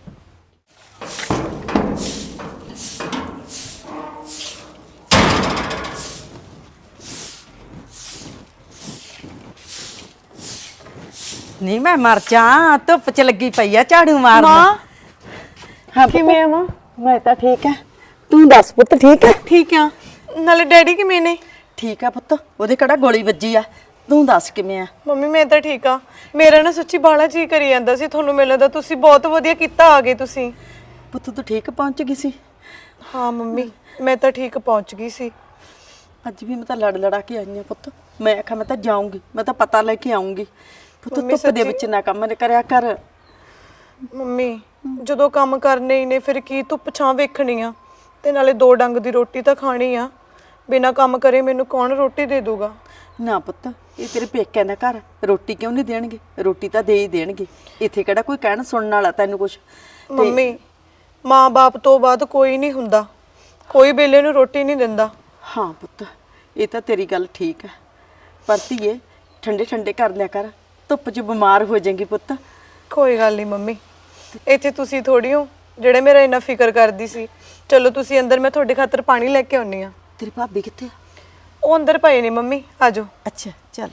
Speaker 1: ਨਹੀਂ ਮੈਂ ਮਰ ਜਾ, ਧੁੱਪ ਚ ਲੱਗੀ ਪਈ ਆ ਝਾੜੂ ਮਾਰਨ।
Speaker 2: ਮਾਂ
Speaker 1: ਹਾਂ
Speaker 2: ਕਿਵੇਂ ਆ ਮਾਂ?
Speaker 1: ਮੈਂ ਤਾਂ ਠੀਕ ਆ, ਤੂੰ ਦੱਸ ਪੁੱਤ ਠੀਕ ਆ?
Speaker 2: ਠੀਕ ਆ। ਨਾਲੇ ਡੈਡੀ ਕਿਵੇਂ ਨੇ?
Speaker 1: ਠੀਕ ਆ ਪੁੱਤ, ਉਹਦੇ ਕਿਹੜਾ ਗੋਲੀ ਵੱਜੀ ਆ। ਤੂੰ ਦੱਸ ਕਿਵੇਂ ਆ?
Speaker 2: ਮੰਮੀ ਮੈਂ ਤਾਂ ਠੀਕ ਆ। ਮੇਰਾ ਨਾ ਸੱਚੀ ਬਾਲਾ ਜੀ ਕਰੀ ਜਾਂਦਾ ਸੀ ਤੁਹਾਨੂੰ ਮਿਲਣ ਦਾ, ਤੁਸੀਂ ਬਹੁਤ ਵਧੀਆ ਕੀਤਾ ਆ ਗਏ ਤੁਸੀਂ।
Speaker 1: ਪੁੱਤ ਤੂੰ ਠੀਕ ਪਹੁੰਚ ਗਈ ਸੀ?
Speaker 2: ਹਾਂ ਮੰਮੀ, ਮੈਂ ਤਾਂ ਠੀਕ ਪਹੁੰਚ ਗਈ ਸੀ।
Speaker 1: ਅੱਜ ਵੀ ਮੈਂ ਤਾਂ ਲੜਾ ਕੇ ਆਈ ਆ ਪੁੱਤ। ਮੈਂ ਆਖਿਆ ਮੈਂ ਤਾਂ ਜਾਊਂਗੀ, ਮੈਂ ਤਾਂ ਪਤਾ ਲੈ ਕੇ ਆਊਂਗੀ। ਪੁੱਤ
Speaker 2: ਮੰਮੀ
Speaker 1: ਧੁੱਪ ਦੇ ਵਿੱਚ ਨਾ ਕੰਮ ਕਰਿਆ ਕਰ।
Speaker 2: ਮੰਮੀ ਜਦੋਂ ਕੰਮ ਕਰਨੇ ਹੀ ਨੇ, ਫਿਰ ਕੀ ਧੁੱਪ ਛਾਂ ਵੇਖਣੀ ਆ? ਤੇ ਨਾਲੇ 2 ਡੰਗ ਦੀ ਰੋਟੀ ਤਾਂ ਖਾਣੀ ਆ, ਬਿਨਾ ਕੰਮ ਕਰੇ ਮੈਨੂੰ ਕੌਣ ਰੋਟੀ ਦੇ ਦੂਗਾ?
Speaker 1: ਨਾ ਪੁੱਤ, ਇਹ ਤੇਰੇ ਪੇਕਿਆਂ ਦਾ ਘਰ, ਰੋਟੀ ਕਿਉਂ ਨਹੀਂ ਦੇਣਗੇ? ਰੋਟੀ ਤਾਂ ਦੇ ਹੀ ਦੇਣਗੇ। ਇੱਥੇ ਕਿਹੜਾ ਕੋਈ ਕਹਿਣ ਸੁਣਨ ਵਾਲਾ ਤੈਨੂੰ ਕੁਛ?
Speaker 2: ਮੰਮੀ ਮਾਂ-ਬਾਪ ਤੋਂ ਬਾਅਦ ਕੋਈ ਨਹੀਂ ਹੁੰਦਾ, ਕੋਈ ਬੇਲੇ ਨੂੰ ਰੋਟੀ ਨਹੀਂ ਦਿੰਦਾ।
Speaker 1: ਹਾਂ ਪੁੱਤ, ਇਹ ਤਾਂ ਤੇਰੀ ਗੱਲ ਠੀਕ ਹੈ, ਪਰ ਧੀਏ ਠੰਡੇ ਕਰ ਲਿਆ ਕਰ, ਧੁੱਪ 'ਚ ਬਿਮਾਰ ਹੋ ਜਾਏਗੀ ਪੁੱਤ।
Speaker 2: ਕੋਈ ਗੱਲ ਨਹੀਂ ਮੰਮੀ, ਇੱਥੇ ਤੁਸੀਂ ਥੋੜੀ ਹੋ ਜਿਹੜੇ ਮੇਰਾ ਇੰਨਾ ਫਿਕਰ ਕਰਦੀ ਸੀ। ਚਲੋ ਤੁਸੀਂ ਅੰਦਰ, ਮੈਂ ਤੁਹਾਡੇ ਖਾਤਰ ਪਾਣੀ ਲੈ ਕੇ ਆਉਣੀ ਆ।
Speaker 1: ਤੇਰੀ ਭਾਬੀ ਕਿੱਥੇ ਆ?
Speaker 2: ਉਹ ਅੰਦਰ ਪਏ ਨੇ ਮੰਮੀ, ਆਜੋ।
Speaker 1: ਅੱਛਾ ਚੱਲ।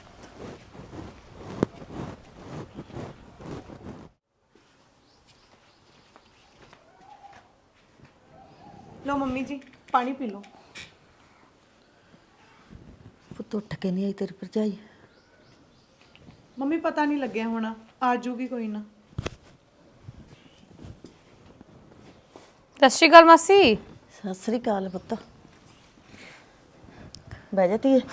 Speaker 2: ਲਓ ਮੰਮੀ ਜੀ, ਪਾਣੀ ਪੀ ਲਓ।
Speaker 1: ਪੁੱਤ ਉੱਠ ਕੇ ਨਹੀਂ ਆਈ ਤੇਰੀ ਭਰਜਾਈ?
Speaker 2: ਮੰਮੀ ਪਤਾ ਨਹੀਂ ਲੱਗਿਆ ਹੋਣਾ, ਆ ਜਾਊਗੀ ਕੋਈ ਨਾ।
Speaker 3: ਸਤਿ ਸ਼੍ਰੀ ਅਕਾਲ ਮਾਸੀ।
Speaker 1: ਸਤਿ ਸ੍ਰੀ ਅਕਾਲ ਪੁੱਤ, ਬਹਿ ਜਾ ਧੀਏ।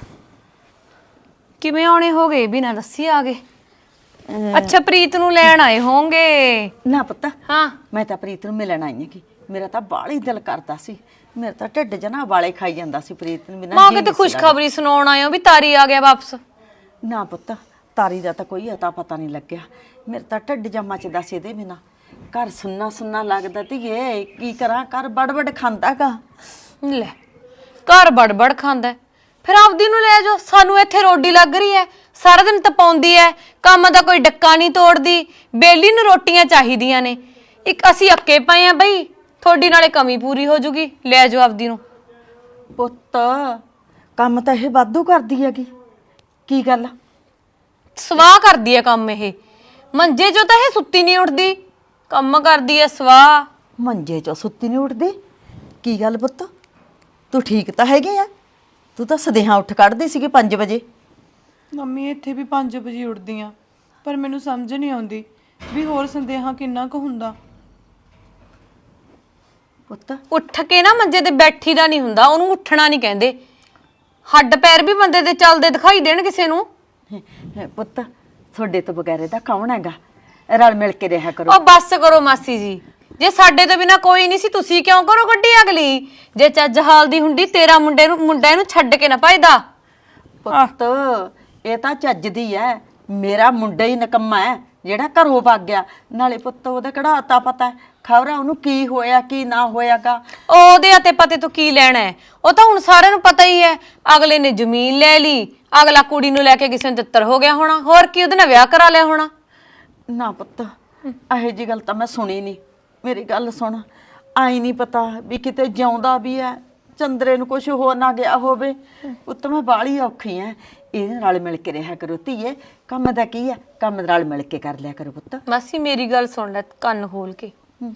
Speaker 3: ਕਿਵੇਂ ਆਉਣੇ ਹੋ ਗਏ, ਬਿਨਾਂ ਦੱਸੀ ਆ ਗਏ? ਅੱਛਾ ਪ੍ਰੀਤ ਨੂੰ ਲੈਣ ਆਏ ਹੋਣਗੇ।
Speaker 1: ਨਾ ਪੁੱਤ,
Speaker 3: ਹਾਂ
Speaker 1: ਮੈਂ ਤਾਂ ਪ੍ਰੀਤ ਨੂੰ ਮਿਲਣ ਆਈ ਹਾਂ। ਮੇਰਾ ਤਾਂ ਬਾਹਲੀ ਦਿਲ ਕਰਦਾ ਸੀ, ਮੇਰਾ ਤਾਂ ਢਿੱਡ ਜਨਾ ਵਾਲੇ ਖਾਈ ਜਾਂਦਾ ਸੀ ਪ੍ਰੀਤ ਨੂੰ ਬਿਨਾਂ।
Speaker 3: ਮਾਂ ਕਿਤੇ ਖੁਸ਼ਖਬਰੀ ਸੁਣਾਉਣ ਆਇਓ ਵੀ ਤਾਰੀ ਆ ਗਿਆ ਵਾਪਸ?
Speaker 1: ਨਾ ਪੁੱਤ, ਤਾਰੀ ਦਾ ਤਾਂ ਕੋਈ ਅਤਾ ਪਤਾ ਨਹੀਂ ਲੱਗਿਆ। ਮੇਰਾ ਤਾਂ ਢਿੱਡ ਜਾਂ ਮੱਚਦਾ ਸੀ ਇਹਦੇ ਬਿਨਾਂ। ਘਰ ਸੁੰਨਾ ਲੱਗਦਾ ਧੀਏ, ਕੀ ਕਰਾਂ? ਘਰ ਬੜਬੜ ਖਾਂਦਾਗਾ।
Speaker 3: ਲੈ ਘਰ ਬੜਬੜ ਖਾਂਦਾ, ਫਿਰ ਆਪਦੀ ਨੂੰ ਲੈ ਜਾਓ। ਸਾਨੂੰ ਇੱਥੇ ਰੋਡੀ ਲੱਗ ਰਹੀ ਐ, ਸਾਰਾ ਦਿਨ ਤਪਾਉਂਦੀ ਐ, ਕੰਮ ਦਾ ਕੋਈ ਡੱਕਾ ਨਹੀਂ ਤੋੜਦੀ, ਬੇਲੀ ਨੂੰ ਰੋਟੀਆਂ ਚਾਹੀਦੀਆਂ ਨੇ। ਇੱਕ ਅਸੀਂ ਅੱਕੇ ਪਏ ਆ ਬਈ, ਤੁਹਾਡੀ ਨਾਲੇ ਕਮੀ ਪੂਰੀ ਹੋ ਜੂਗੀ, ਲੈ ਜਾਓ ਆਪਦੀ ਨੂੰ।
Speaker 1: ਪੁੱਤ ਕੰਮ ਤਾਂ ਇਹ ਵਾਧੂ ਕਰਦੀ ਹੈਗੀ, ਕੀ ਗੱਲ?
Speaker 3: ਸਵਾਹ ਕਰਦੀ ਐ ਕੰਮ ਇਹ, ਮੰਜੇ 'ਚੋਂ ਤਾਂ ਇਹ ਸੁੱਤੀ ਨਹੀਂ ਉੱਠਦੀ, ਕੰਮ ਕਰਦੀ ਐ ਸਵਾਹ।
Speaker 1: ਮੰਜੇ 'ਚੋਂ ਸੁੱਤੀ ਨਹੀਂ ਉੱਠਦੀ? ਕੀ ਗੱਲ ਪੁੱਤ, ਤੂੰ ਠੀਕ ਤਾਂ ਹੈਗੀ ਆ? ਤੂੰ ਤਾਂ ਸਦੇਹਾਂ ਉੱਠ ਕੱਢਦੀ ਸੀਗੀ 5 ਵਜੇ।
Speaker 2: ਮੰਮੀ ਇੱਥੇ ਵੀ 5 ਵਜੇ ਉੱਠਦੀ ਆ, ਪਰ ਮੈਨੂੰ ਸਮਝ ਨਹੀਂ ਆਉਂਦੀ ਵੀ ਹੋਰ ਸੰਦੇਹਾ ਕਿੰਨਾ ਕੁ ਹੁੰਦਾ।
Speaker 1: ਪੁੱਤ
Speaker 3: ਉੱਠ ਕੇ ਨਾ ਮੰਜੇ ਤੇ ਬੈਠੀ ਦਾ ਨਹੀਂ ਹੁੰਦਾ, ਉਹਨੂੰ ਉੱਠਣਾ ਨਹੀਂ ਕਹਿੰਦੇ। ਹੱਡ ਪੈਰ ਵੀ ਬੰਦੇ ਦੇ ਚੱਲਦੇ ਦਿਖਾਈ ਦੇਣ ਕਿਸੇ ਨੂੰ।
Speaker 1: ਪੁੱਤ ਤੁਹਾਡੇ ਤੋਂ ਬਗੈਰ ਇਹਦਾ ਕੌਣ ਹੈਗਾ? ਰਲ ਮਿਲ ਕੇ ਰਿਹਾ ਕਰੋ।
Speaker 3: ਉਹ ਬੱਸ ਕਰੋ ਮਾਸੀ ਜੀ, ਜੇ ਸਾਡੇ ਤੋਂ ਬਿਨਾ ਕੋਈ ਨਹੀਂ ਸੀ ਤੁਸੀਂ ਕਿਉਂ ਕਰੋ ਗੱਡੀ ਅਗਲੀ? ਜੇ ਚੱਜ ਹਾਲ ਦੀ ਹੁੰਦੀ ਤੇਰਾ ਮੁੰਡਾ ਇਹਨੂੰ ਛੱਡ ਕੇ ਨਾ ਭਜਦਾ।
Speaker 1: ਪੁੱਤ ਇਹ ਤਾਂ ਚੱਜਦੀ ਐ, ਮੇਰਾ ਮੁੰਡਾ ਹੀ ਨਕੰਮਾ ਹੈ ਜਿਹੜਾ ਘਰੋਂ ਭੱਗ ਗਿਆ। ਨਾਲੇ ਪੁੱਤ ਉਹਦਾ ਕਿਹੜਾ ਅਤਾ ਪਤਾ ਖਬਰ ਉਹਨੂੰ ਕੀ ਹੋਇਆ ਕੀ ਨਾ ਹੋਇਆਗਾ।
Speaker 3: ਉਹਦੇ ਅਤੇ ਪਤੇ ਤੋਂ ਕੀ ਲੈਣਾ ਹੈ? ਉਹ ਤਾਂ ਹੁਣ ਸਾਰਿਆਂ ਨੂੰ ਪਤਾ ਹੀ ਹੈ। ਅਗਲੇ ਨੇ ਜ਼ਮੀਨ ਲੈ ਲਈ, ਅਗਲਾ ਕੁੜੀ ਨੂੰ ਲੈ ਕੇ ਕਿਸੇ ਨੂੰ ਤਿੱਤਰ ਹੋ ਗਿਆ ਹੋਣਾ, ਹੋਰ ਕੀ ਉਹਦੇ ਨਾਲ ਵਿਆਹ ਕਰਾ ਲਿਆ ਹੋਣਾ।
Speaker 1: ਨਾ ਪੁੱਤ ਇਹੋ ਜੀ ਗੱਲ ਤਾਂ ਮੈਂ ਸੁਣੀ ਨਹੀਂ। ਮੇਰੀ ਗੱਲ ਸੁਣ, ਆਈ ਨਹੀਂ ਪਤਾ ਵੀ ਕਿਤੇ ਜਿਉਂਦਾ ਵੀ ਐ, ਚੰਦਰੇ ਨੂੰ ਕੁਝ ਹੋ ਨਾ ਗਿਆ ਹੋਵੇ। ਪੁੱਤ ਮੈਂ ਬਾਹਲੀ ਔਖੀ ਐ, ਇਹਦੇ ਨਾਲ ਮਿਲ ਕੇ ਰਿਹਾ ਕਰੋ ਧੀਏ। ਕੰਮ ਦਾ ਕੀ ਐ, ਕੰਮ ਨਾਲ ਮਿਲ ਕੇ ਕਰ ਲਿਆ ਕਰੋ ਪੁੱਤ।
Speaker 3: ਮਾਸੀ ਮੇਰੀ ਗੱਲ ਸੁਣ ਲੈ ਕੰਨ ਖੋਲ ਕੇ।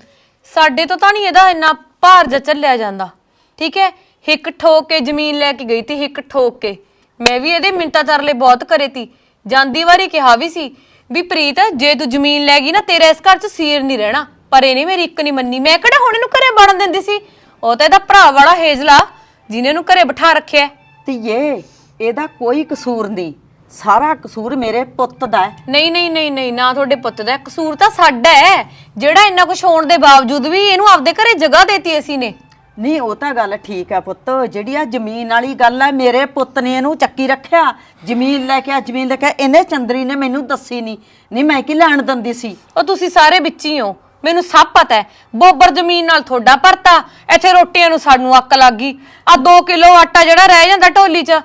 Speaker 3: ਸਾਡੇ ਤੋਂ ਤਾਂ ਨਹੀਂ ਇਹਦਾ ਇੰਨਾ ਭਾਰ ਜਿਹਾ ਝੱਲਿਆ ਜਾਂਦਾ, ਠੀਕ ਹੈ? ਹਿੱਕ ਠੋਕ ਕੇ ਜ਼ਮੀਨ ਲੈ ਕੇ ਗਈ ਤੀ, ਹਿੱਕ ਠੋਕ ਕੇ। ਮੈਂ ਵੀ ਇਹਦੇ ਮਿੰਟਾਂ ਤਰਲੇ ਬਹੁਤ ਕਰੇ ਤੀ, ਜਾਂਦੀ ਵਾਰੀ ਕਿਹਾ ਵੀ ਸੀ ਵੀ ਪ੍ਰੀਤ ਜੇ ਤੂੰ ਜ਼ਮੀਨ ਲੈ ਗਈ ਨਾ ਤੇਰਾ ਇਸ ਘਰ 'ਚ ਸੀਰ ਨਹੀਂ ਰਹਿਣਾ, ਪਰ ਇਹਨੇ ਮੇਰੀ ਇੱਕ ਨਹੀਂ ਮੰਨੀ। ਮੈਂ ਕਿਹੜਾ ਹੁਣ ਇਹਨੂੰ ਘਰੇ ਵੜਨ ਦਿੰਦੀ ਸੀ? ਉਹ ਤਾਂ ਇਹਦਾ ਭਰਾ ਵਾਲਾ ਹੇਜਲਾ ਜਿਹਨੇ ਇਹਨੂੰ ਘਰੇ ਬਿਠਾ ਰੱਖਿਆ।
Speaker 1: ਧੀਏ ਇਹਦਾ ਕੋਈ ਕਸੂਰ ਨਹੀਂ, ਸਾਰਾ ਕਸੂਰ ਮੇਰੇ ਪੁੱਤ ਦਾ ਹੈ।
Speaker 3: ਨਹੀਂ ਨਹੀਂ ਨਹੀਂ ਨਹੀਂ, ਨਾ ਤੁਹਾਡੇ ਪੁੱਤ ਦਾ ਕਸੂਰ, ਤਾਂ ਸਾਡਾ ਹੈ ਜਿਹੜਾ ਇੰਨਾ ਕੁਝ ਹੋਣ ਦੇ ਬਾਵਜੂਦ ਵੀ ਇਹਨੂੰ ਆਪਦੇ ਘਰੇ ਜਗ੍ਹਾ ਦੇਤੀ ਅਸੀਂ ਨੇ।
Speaker 1: ਨਹੀਂ ਉਹ ਤਾਂ ਗੱਲ ਠੀਕ ਹੈ ਪੁੱਤ, ਜਿਹੜੀ ਆ ਜ਼ਮੀਨ ਵਾਲੀ ਗੱਲ ਹੈ ਮੇਰੇ ਪੁੱਤ ਨੇ ਇਹਨੂੰ ਚੱਕੀ ਰੱਖਿਆ। ਜ਼ਮੀਨ ਲੈ ਕੇ ਜ਼ਮੀਨ ਲੈ ਕੇ ਇਹਨੇ ਚੰਦਰੀ ਨੇ ਮੈਨੂੰ ਦੱਸੀ ਨਹੀਂ ਮੈਂ ਕੀ ਲੈਣ ਦਿੰਦੀ ਸੀ।
Speaker 3: ਉਹ ਤੁਸੀਂ ਸਾਰੇ ਵਿੱਚ ਹੀ ਹੋ, ਮੈਨੂੰ ਸਭ ਪਤਾ ਹੈ। ਬੋਬਰ ਜ਼ਮੀਨ ਨਾਲ ਤੁਹਾਡਾ ਭਰਤਾ, ਇੱਥੇ ਰੋਟੀਆਂ ਨੂੰ ਸਾਨੂੰ ਅੱਕ ਲੱਗ ਗਈ। ਆ 2 ਕਿਲੋ ਆਟਾ ਜਿਹੜਾ ਰਹਿ ਜਾਂਦਾ ਢੋਲੀ 'ਚ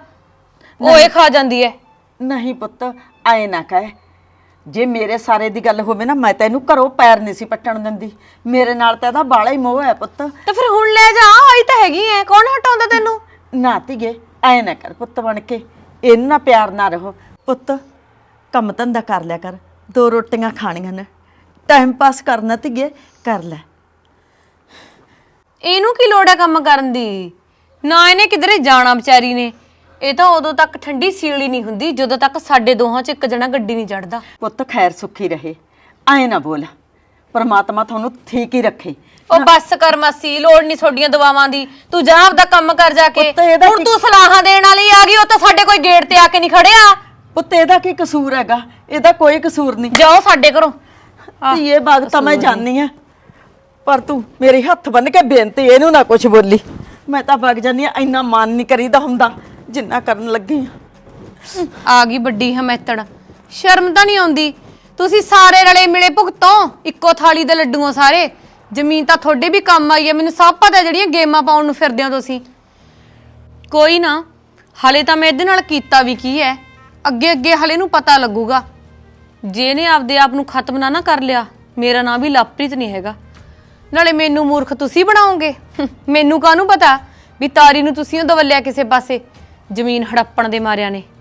Speaker 3: ਉਹ ਇਹ ਖਾ ਜਾਂਦੀ ਹੈ।
Speaker 1: ਨਹੀਂ ਪੁੱਤ ਆਏ ਨਾ ਕਹਿ, ਜੇ ਮੇਰੇ ਸਾਰੇ ਦੀ ਗੱਲ ਹੋਵੇ ਨਾ ਮੈਂ ਤਾਂ ਇਹਨੂੰ ਘਰੋਂ ਪੈਰ ਨਹੀਂ ਸੀ ਪੱਟਣ ਦਿੰਦੀ। ਮੇਰੇ ਨਾਲ ਤਾਂ ਇਹਦਾ ਬਾਲਾ ਹੀ ਮੋਹ ਹੈ ਪੁੱਤ।
Speaker 3: ਤੇ ਫਿਰ ਹੁਣ ਲੈ ਜਾ, ਆਈ ਤਾਂ ਹੈਗੀ ਐ, ਕੌਣ ਹਟਾਉਂਦਾ ਤੈਨੂੰ?
Speaker 1: ਨਾ ਧੀਏ ਐ ਨਾ ਕਰ ਪੁੱਤ, ਬਣ ਕੇ ਇਹਨਾਂ ਨਾਲ ਪਿਆਰ ਨਾ ਰਹੋ ਪੁੱਤ। ਕੰਮ ਧੰਦਾ ਕਰ ਲਿਆ ਕਰ, 2 ਰੋਟੀਆਂ ਖਾਣੀਆਂ ਨੇ, ਟਾਈਮ ਪਾਸ ਕਰਨਾ ਧੀਏ ਕਰ ਲੈ।
Speaker 3: ਇਹਨੂੰ ਕੀ ਲੋੜ ਹੈ ਕੰਮ ਕਰਨ ਦੀ? ਨਾ ਇਹਨੇ ਕਿਧਰੇ ਜਾਣਾ ਵਿਚਾਰੀ ਨੇ। ਇਹ ਤਾਂ ਉਦੋਂ ਤੱਕ ਠੰਡੀ ਸੀਲੀ ਨਹੀਂ ਹੁੰਦੀ ਜਦੋਂ ਤੱਕ ਸਾਡੇ ਦੋਹਾਂ 'ਚ ਇੱਕ ਜਣਾ ਗੱਡੀ ਨਹੀਂ ਚੜਦਾ।
Speaker 1: ਪੁੱਤ ਖੈਰ ਸੁਖੀ ਰਹੇ, ਐ ਨਾ ਬੋਲ, ਪਰਮਾਤਮਾ ਤੁਹਾਨੂੰ ਠੀਕ ਹੀ ਰੱਖੇ।
Speaker 3: ਉਹ ਬੱਸ ਕਰ ਮਾਸੀ, ਲੋੜ ਨਹੀਂ ਤੁਹਾਡੀਆਂ ਦਵਾਵਾਂ ਦੀ। ਤੂੰ ਜਾ ਆਪਦਾ ਕੰਮ ਕਰ ਜਾ ਕੇ।
Speaker 1: ਪੁੱਤ ਇਹਦਾ
Speaker 3: ਹੁਣ ਤੂੰ ਸਲਾਹਾਂ ਦੇਣ ਵਾਲੀ ਆ ਗਈ, ਉਹ ਤਾਂ ਸਾਡੇ ਕੋਈ ਗੇਟ ਤੇ ਆ ਕੇ ਨਹੀਂ ਖੜਿਆ।
Speaker 1: ਪੁੱਤ ਇਹਦਾ ਕੀ ਕਸੂਰ ਹੈਗਾ? ਇਹਦਾ ਕੋਈ ਕਸੂਰ ਨਹੀਂ।
Speaker 3: ਜਾਓ ਸਾਡੇ ਘਰੋਂ।
Speaker 1: ਧੀਏ ਬਾਗ ਤਾਂ ਮੈਂ ਜਾਣੀ ਆ, ਪਰ ਤੂੰ ਮੇਰੇ ਹੱਥ ਬੰਨ ਕੇ ਬੇਨਤੀ ਇਹਨੂੰ ਨਾ ਕੁਝ ਬੋਲੀ। ਮੈਂ ਤਾਂ ਵਗ ਜਾਨੀ ਆ, ਇੰਨਾ ਮਾਨ ਨਹੀਂ ਕਰੀਦਾ ਹੁੰਦਾ ਜਿੰਨਾ ਕਰਨ ਲੱਗੀ
Speaker 3: ਆ ਗਈ ਵੱਡੀ ਹਮੈਤੜ, ਸ਼ਰਮ ਤਾਂ ਨਹੀਂ ਆਉਂਦੀ? ਤੁਸੀਂ ਸਾਰੇ ਰਲੇ ਮਿਲੇ ਭੁਗਤੋ, ਇੱਕੋ ਥਾਲੀ ਦੇ ਲੱਡੂਆਂ ਸਾਰੇ। ਜ਼ਮੀਨ ਤਾਂ ਤੁਹਾਡੇ ਵੀ ਕੰਮ ਆਈ ਹੈ, ਮੈਨੂੰ ਸਭ ਪਤਾ ਜਿਹੜੀਆਂ ਗੇਮਾਂ ਪਾਉਣ ਨੂੰ ਫਿਰਦੇ ਹੋ ਤੁਸੀਂ। ਕੋਈ ਨਾ, ਹਲੇ ਤਾਂ ਮੈਂ ਇਹਦੇ ਨਾਲ ਕੀਤਾ ਵੀ ਕੀ ਹੈ, ਅੱਗੇ ਅੱਗੇ ਹਲੇ ਨੂੰ ਪਤਾ ਲੱਗੂਗਾ। ਜੇ ਇਹਨੇ ਆਪਦੇ ਆਪ ਨੂੰ ਖਤਮ ਨਾ ਕਰ ਲਿਆ, ਮੇਰਾ ਨਾਂ ਵੀ ਲਵਪ੍ਰੀਤ ਨਹੀਂ ਹੈਗਾ। ਨਾਲੇ ਮੈਨੂੰ ਮੂਰਖ ਤੁਸੀਂ ਬਣਾਓਗੇ? ਮੈਨੂੰ ਕਾਹਨੂੰ ਪਤਾ ਵੀ ਤਾਰੀ ਨੂੰ ਤੁਸੀਂ ਉਹ ਦਵਲਿਆ ਕਿਸੇ ਪਾਸੇ ਜ਼ਮੀਨ ਹੜੱਪਣ ਦੇ ਮਾਰਿਆਂ ਨੇ।